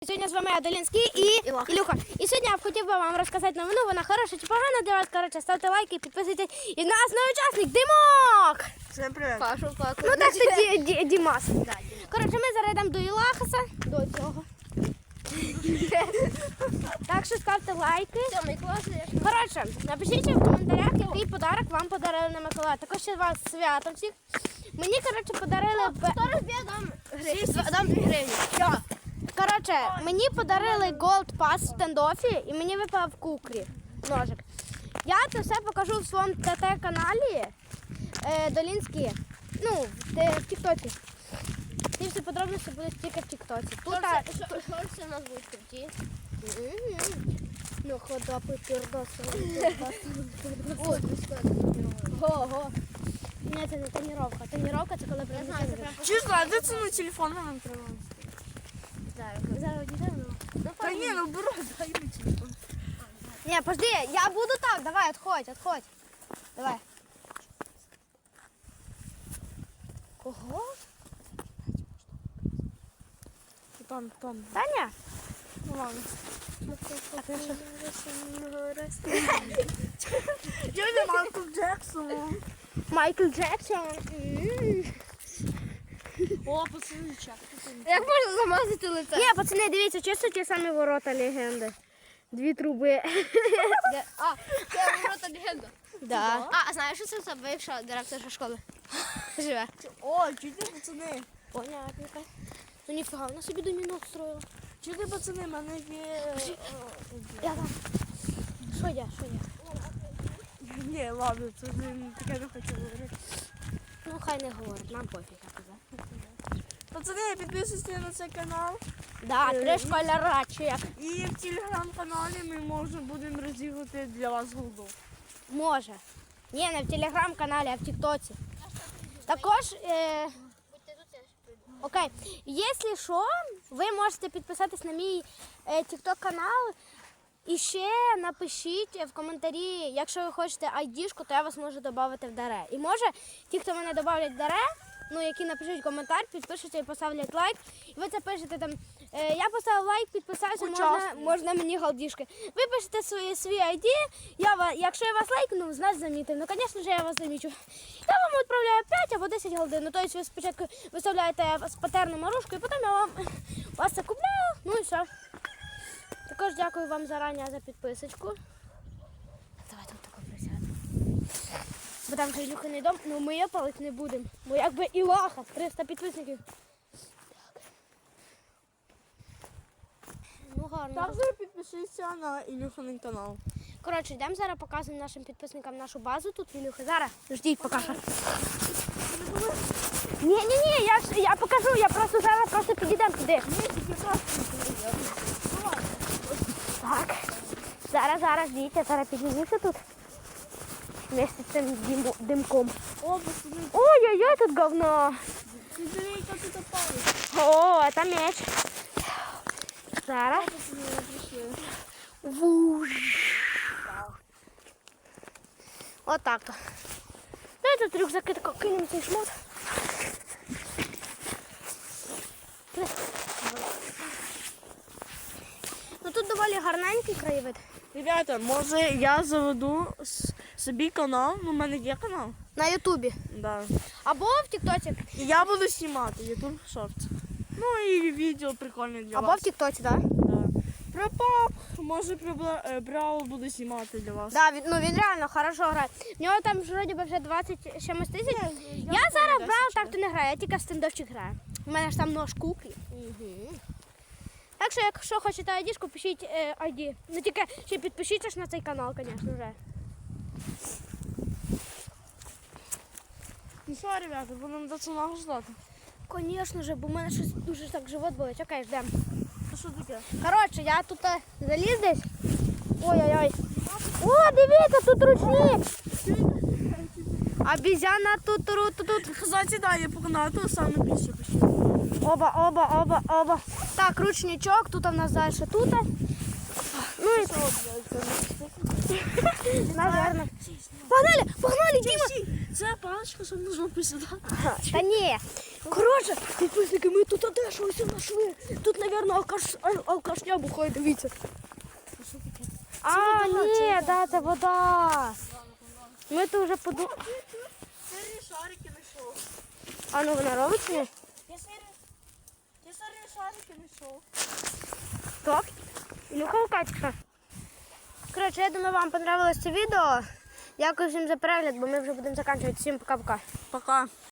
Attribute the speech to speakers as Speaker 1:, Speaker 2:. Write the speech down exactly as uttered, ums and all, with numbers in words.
Speaker 1: Сьогодні з вами я, Долінський і
Speaker 2: Ілоха.
Speaker 1: Ілюха. І сьогодні я б хотів би вам розказати новину, вона хороша чи погана для вас. Коротше, ставте лайки, підписуйтесь. І в нас новий учасник Димок!
Speaker 2: Всем привет. Пашу, Паку.
Speaker 1: Ну так що Ді- Ді- Дімас. Коротше, ми зараз йдемо до Ілахаса, до цього. Так що ставте лайки.
Speaker 2: Сьомий клас.
Speaker 1: Коротше, напишіть в коментарях, який подарок вам подарили на Миколая. Також ще вас свято всіх. Мені, коротше, подарили... б-
Speaker 2: Хто розб'є, дам гривні. Дам дві гривні. Що?
Speaker 1: Коротше, мені подарили Gold Pass в стендофі і мені випав кукрі ножик. Я це все покажу в своєму ТТ-каналі е, Долінський. Ну, в, те- в Тіктоці. Ці всі подробності будуть тільки в Тіктоці. Тут, а,
Speaker 2: Шорти у нас будуть круті.
Speaker 1: ну, ходопи, пірдоси.
Speaker 2: Ой,
Speaker 1: Ого. Ні, це не тоніровка. Тоніровка це коли
Speaker 2: Я
Speaker 1: прям
Speaker 2: знаю, це прям
Speaker 3: Чесно, а де це на телефон нам треба?
Speaker 1: зараз. Зараз одійдемо.
Speaker 3: Та ні, ну бро, дай мені телефон.
Speaker 1: Ні, подожди, я буду так, давай, отходь, отходь. Давай. Кого?
Speaker 3: Там, там.
Speaker 1: Таня?
Speaker 3: Ну ладно. Дядя Майкл Джексон.
Speaker 1: Майкл Джексон.
Speaker 3: О, пацани, чак.
Speaker 2: Як можна замазати лице?
Speaker 1: Ні, пацани, дивіться, чисто ті самі ворота легенди. Дві труби.
Speaker 2: Де- А, це ворота легенда.
Speaker 1: Да.
Speaker 2: А, а знаєш, що це за бивша директорша школи? Живе.
Speaker 3: О, чуєте, пацани?
Speaker 1: Понятненько. Ну ніфіга, вона собі домінок строїла.
Speaker 3: Чуєте, пацани, в мене є...
Speaker 1: Я там. Що я, що я?
Speaker 3: Ні, ладно, це не таке не хочу говорити.
Speaker 1: Ну хай не говорить, нам пофіг, я казав.
Speaker 3: Пацани, підписуйтесь на цей канал.
Speaker 1: Да, три школяра, чи як?
Speaker 3: І в телеграм-каналі ми може будемо розігрувати для вас голду.
Speaker 1: Може. Ні, не в телеграм-каналі, а в Тіктоці. Також, е, окей, якщо що, ви можете підписатись на мій е, тікток-канал і ще напишіть в коментарі, якщо ви хочете айдішку, то я вас можу додати в даре. І може, ті, хто мене додають в даре, ну, які напишуть коментар, підпишуться і поставлять лайк. І ви це пишете там, е, я поставив лайк, підписався, можна, можна мені галдішки. Ви пишете свої, свій ай ді, я, ва- якщо я вас лайкну, значить замітив. Ну, звісно ж, я вас замічу. Я вам відправляю п'ять або десять галдин. Ну, тобто ви спочатку виставляєте з патерну марушку, і потім я вам вас це купляю, ну і все. Також дякую вам зарані за підписочку. Давай тут тако присядемо. Бо там вже Ілюхиний дом, ну ми є палити не будемо. Бо якби Ілаха, триста підписників. Так. Ну гарно.
Speaker 3: Також підпишіться на Ілюханий канал.
Speaker 1: Коротше, йдемо зараз показуємо нашим підписникам нашу базу тут в Ілюхи. Зараз, ждіть, покажу. Ні, ні, ні, я, ж- я покажу, я просто зараз просто підійдемо туди. Так. Зараз, зараз, ждіть, я зараз піднімуся тут. Вместе з цим дим- димком.
Speaker 3: О, пацани,
Speaker 1: Ой-ой-ой, тут говно.
Speaker 3: підберіть, як тут опали.
Speaker 1: О, это меч. Зараз.
Speaker 3: Пацани, ви прийшли.
Speaker 1: Вуж. Вот так то. Ну, этот рюкзак, это как кинем цей шмот. Ну тут доволі гарненький краєвид.
Speaker 3: Ребята, може я заведу с- собі канал, ну в мене є канал.
Speaker 1: На ютубі.
Speaker 3: Да.
Speaker 1: Або в тіктоці.
Speaker 3: І я буду знімати YouTube Shorts. Ну і відео прикольне для
Speaker 1: Або
Speaker 3: вас.
Speaker 1: в тіктоці, так? Да?
Speaker 3: Да. Про пап, може про Бра- е, Бравл буду знімати для вас.
Speaker 1: Да, він, ну він реально хорошо грає. В нього там ж вроді би вже двадцять чимось тисяч. Я зараз брав, так то не граю, я тільки в стендовчик граю. У мене ж там нож куклі. Угу. Так що, якщо хочете айдішку, пишіть е, ай ді. Ну тільки ще підпишіться ж на цей канал, звісно вже.
Speaker 3: Ну що, ребята, будемо до цього ждати.
Speaker 1: Звісно ж, бо в мене щось дуже так живот болить. Окей, ждемо.
Speaker 3: Це що таке?
Speaker 1: Коротше, я тут е, заліз десь. Ой-ой-ой. О, дивіться, тут ручник. Обізяна тут, тут, тут, тут.
Speaker 3: Кстати, да, я погнала, то саме більше пишу.
Speaker 1: Оба, оба, оба, оба. Так, ручничок, тут у нас далі тут. Ну і наверное. Погнали, погнали, Діма.
Speaker 3: Це паличка, щоб можна посідати.
Speaker 1: Та ні.
Speaker 3: Коротше, підписники, ми тут де що ось знайшли. Тут, мабуть, алкаш, ал- алкашня бухає, дивіться.
Speaker 1: А, ні, да, це вода. Ми тут вже подумали.
Speaker 3: Сирні шарики знайшов.
Speaker 1: А ну вона робить чи ні?
Speaker 3: Я сирні, я сирні шарики знайшов.
Speaker 1: Так. Ілюха Лукачка. Коротше, я думаю, вам понравилось це відео. Дякую всім за перегляд, бо ми вже будемо закінчувати. Всім пока-пока.
Speaker 3: Пока.